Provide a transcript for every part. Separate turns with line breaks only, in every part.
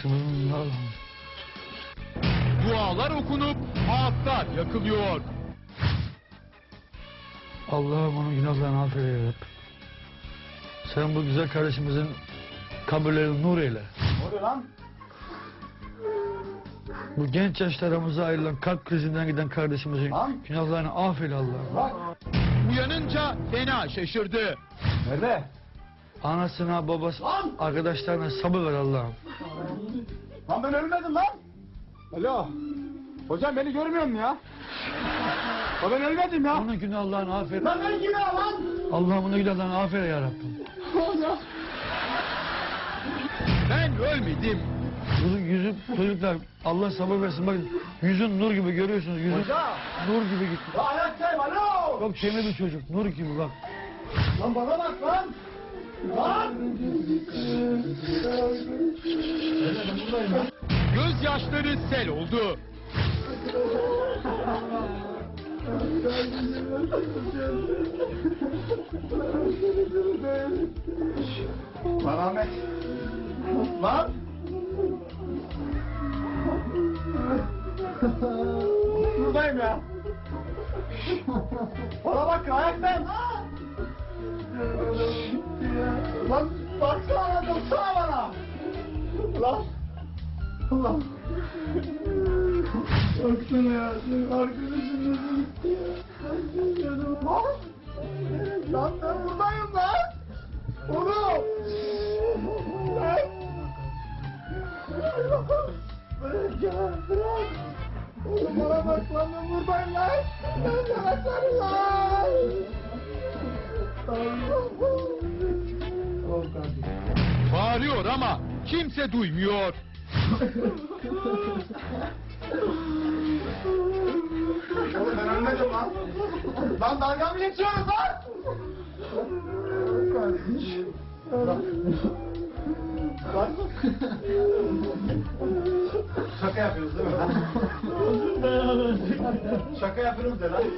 Dualar okunup ağıtlar yakılıyor.
Allah'ım onun günahlarını affeyle ya Rabbi. Sen bu güzel kardeşimizin kabirlerini nur eyle.
Ne oluyor lan?
Bu genç yaşlarımıza ayrılan kalp krizinden giden kardeşimizin
Lan!
günahlarını affeyle Allah'ım.
Bak.
Uyanınca fena şaşırdı.
Nerede?
Anasına, babası,
Lan!
arkadaşlarına sabır ver Allah'ım.
Lan ben ölmedim lan. Alo. Hocam beni görmüyor musun ya? Ya ben ölmedim ya.
Onun günahlarını affeyle.
Lan ben gibi lan.
Allah'ım onun günahlarını affeyle ya Rabbi.
Hocam.
Ben ölmedim.
Yüzü çocuklar Allah sabır versin. Bakın yüzün nur gibi görüyorsunuz. Yüzün
Hocam.
nur gibi gitti.
Ya ayaktayım alo.
Çok temiz bir çocuk. Nur gibi bak.
Lan bana bak lan. Lan.
Gözyaşları sel oldu.
Lan Ahmet. Lan. Buradayım ya. Bana bak ayaktayım. Lan baksana baksana bana. Lan. Lan. Baksana ya. Arkadaşım nasıl gitti ya. Lan. Lan ben buradayım lan. Oğlum. Lan. Bırak ya bırak. Oğlum bana bak lan ben buradayım lan. Ben sana sarılayım.
Bağırıyor ama kimse duymuyor.
Oğlum ben ölmedim lan. Lan dalga mı geçiyoruz lan? Lan. Şaka yapıyoruz değil mi lan? Şaka yapıyoruz de lan.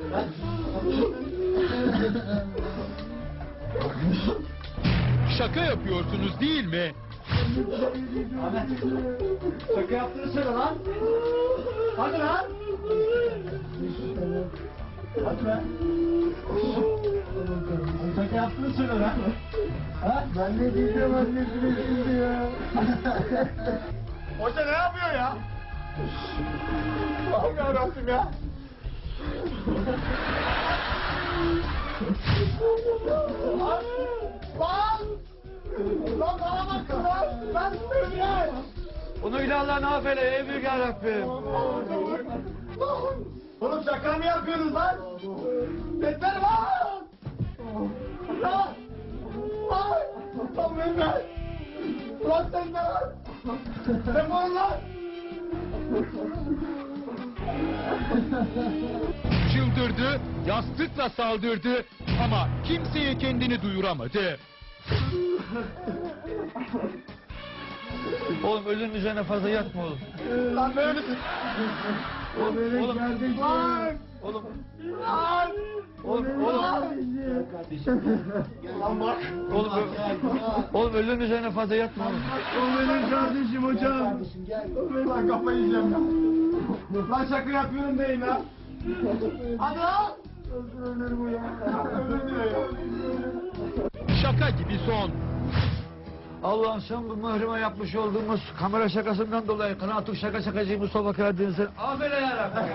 Şaka yapıyorsunuz değil mi?
Ahmet. Şaka yaptığını söyle lan. Hadi lan. Hadi be. Şaka yaptığını söyle lan. Ha? Ben ne diyeceğim annesine şimdi ya. Hoca ne yapıyor ya? Allah'ım yarabbim ya. Lan! Lan! Lan bana bakın lan! Ben söyleyeyim!
Onun günahlarını affeyle ey büyük ya Rabbim.
Oğlum şaka mı yapıyorsunuz lan? Yeter lan! Lan! Lan! Lan Mehmet! Lan sen de lan! Defol lan!
Çıldırdı, yastıkla saldırdı ama kimseye kendini duyuramadı.
Oğlum ölünün üzerine fazla yatma oğlum.
Lan böyle... O benim
Oğlum.
kardeşim. Lan!
Oğlum.
Lan!
Oğlum.
Lan bak!
Oğlum ölünün üzerine fazla yatma oğlum.
O benim kardeşim hocam. Lan kafayı yiyeceğim ya. Lan şaka yapıyorum değil lan. Hadi lan. Ölür bu ya. Ölür diyor ya.
Şaka gibi son.
Allah'ım sen bu mührime yapmış olduğumuz kamera şakasından dolayı kanaatuk şaka şakacı Mustafa Karadeniz'e affeyle ya Rabbi.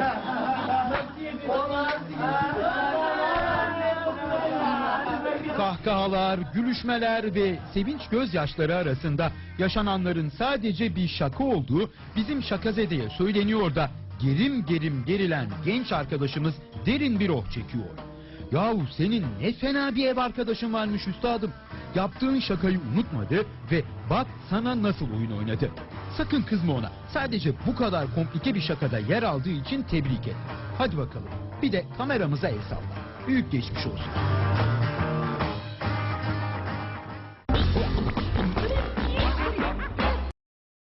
Kahkahalar, gülüşmeler ve sevinç gözyaşları arasında yaşananların sadece bir şaka olduğu bizim Şakazede'ye söyleniyor da gerim gerim gerilen genç arkadaşımız derin bir oh çekiyor. Yahu senin ne fena bir ev arkadaşın varmış üstadım. Yaptığın şakayı unutmadı ve bak sana nasıl oyun oynadı. Sakın kızma ona. Sadece bu kadar komplike bir şakada yer aldığı için tebrik et. Hadi bakalım. Bir de kameramıza el salla. Büyük geçmiş olsun.